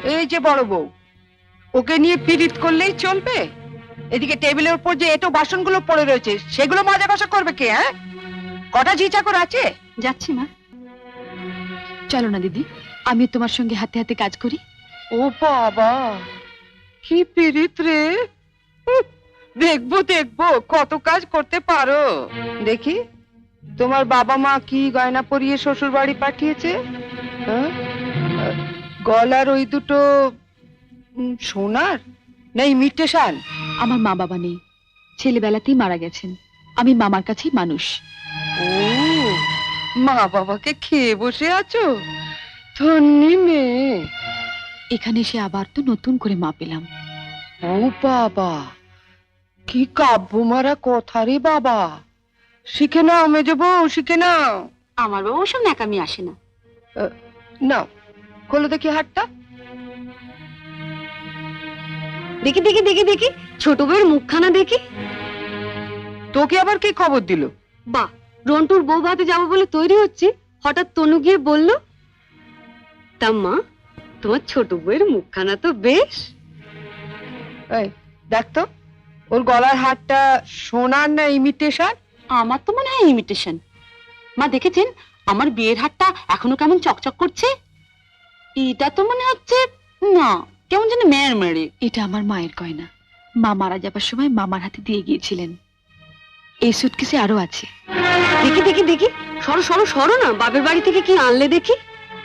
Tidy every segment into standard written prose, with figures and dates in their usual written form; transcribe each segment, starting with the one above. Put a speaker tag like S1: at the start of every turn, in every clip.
S1: এই যে বড় বউ, ওকে নিয়ে পীড়িত করলেই চলবে? এদিকে টেবিলের উপর যে এটো বাসনগুলো পড়ে রয়েছে সেগুলো মাজা কষা করবে কে? হ্যাঁ, কটা ঝি চাকর আছে?
S2: যাচ্ছি মা। চলো না দিদি, আমি তোমার সঙ্গে হাতে হাতে কাজ করি।
S1: ও বাবা, কি পীড়িত রে! দেখবো দেখবো কত কাজ করতে পারো। দেখি তোমার বাবা মা কি গয়না পরিয়ে শ্বশুর বাড়ি পাঠিয়েছে। হ্যাঁ? গলার ওই দুটো সোনার না ইমিটেশন?
S2: আমার মা বাবা নেই, ছেলেবেলাতেই মারা গেছেন। আমি মামার কাছেই মানুষ।
S1: ও, মা বাবাকে খেয়ে বসে আছো? ধন্যি মেয়ে।
S2: এখানে এসে আবার তো নতুন করে মা পেলাম।
S1: ও বাবা, কি কাব্য মারা কথা রে বাবা! শিখে নাও মেজো বউ, শিখে নাও।
S2: আমার বাবা ওসব ন্যাকামি আসে না।
S1: নাও, খোলো দেখি হাতটা।
S2: দেখি দেখি দেখি দেখি, ছোট বউয়ের মুখখানা দেখি।
S1: তোকে আবার কে খবর দিল?
S2: বাহ, রন্টুর বউ ভাতে যাবো বলে তৈরি হচ্ছে, হঠাৎ তনু গিয়ে বলল, তা মা, তোমার ছোট বউয়ের মুখখানা তো বেশ।
S1: এই দেখ তো, ওর গলার হারটা সোনার না ইমিটেশন?
S2: আমার তো মনে হয় ইমিটেশন। মা দেখেছেন আমার বিয়ের হারটা এখনো কেমন চকচক করছে? এটা তো মনে হচ্ছে না, কেমন যেন মেয়ের মেরে। এটা আমার মায়ের গয়না, মা মারা যাবার সময় মামার হাতে দিয়ে গিয়েছিলেন। এই সুটকেসে আরো আছে। দেখি দেখি দেখি, সরো সরো সরো না, বাপের বাড়ি থেকে কি আনলে দেখি।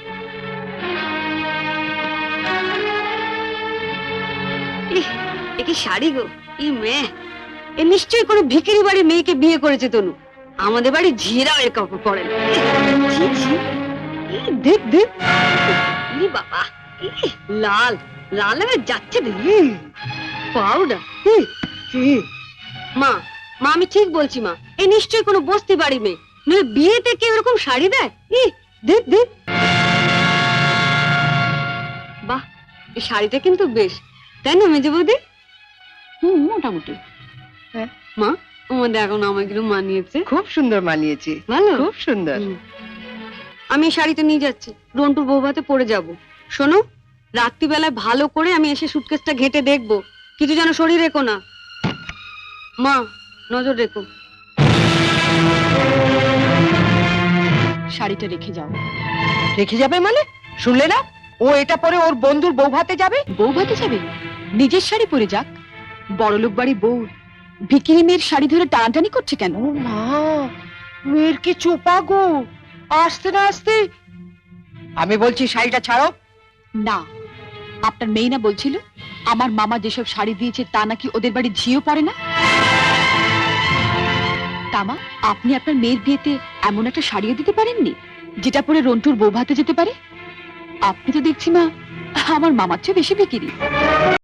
S2: এ কি শাড়ি গো! ই মেয়ে, এ নিশ্চয়ই কোনো ভিখারি বাড়ির মেয়েকে বিয়ে করেছে তনু। আমাদের বাড়ি ঝিরা এর কাপড় পরে না। ছি, ছি। দেখ দেখ, বাবা, লাল লাল হয়ে যাচ্ছে দেখি। পাউডার। মা মা, আমি ঠিক বলছি মা, এ নিশ্চয়ই কোনো বস্তি বাড়ি মেয়ে, নইলে বিয়েতে কেউ এরকম শাড়ি দেয়? দেখ দেখ, বাহ, এই শাড়িটা কিন্তু বেশ, তাই না মেজে বৌদি? মোটামুটি।
S1: হ্যাঁ
S2: মা, আমাদের এখন আমাকে মানিয়েছে।
S1: খুব সুন্দর মানিয়েছে,
S2: ভালো,
S1: খুব সুন্দর।
S2: আমি এই শাড়িটা নিয়ে যাচ্ছি, রন্টুর বউ ভাতে পরে যাব। শোনো, রাত্রিবেলায় ভালো করে আমি এসে সুটকেসটা ঘেটে দেখবো, কিছু যেন শরীর রেখো না। মা, নজর রেখো। শাড়িটা রেখে যাও।
S1: রেখে যাবে মানে? শুনলে না, ও এটা পরে ওর বন্ধুর বউ ভাতে যাবে।
S2: বউ ভাতে যাবে? নিজের শাড়ি পরে যাক। বড়লোক বাড়ি বউ ভিকিরি মেয়ের শাড়ি ধরে টানাটানি করছে কেন?
S1: ও মা, মেয়ের কি চোপা গো! আসতে না আসতে। আমি বলছি শাড়িটা ছাড়ো।
S2: না, আপনার মেয়ে না বলছিল আমার মামা যেসব শাড়ি দিয়েছে তা নাকি ওদের বাড়ি ঝিও পড়ে না? তামা, আপনি আপনার মেয়ের বিয়েতে এমন একটা শাড়িও দিতে পারেননি যেটা পরে রন্টুর বউ ভাতে যেতে পারে? আপনি তো দেখছি মা আমার মামার চেয়ে বেশি ভিকিরি।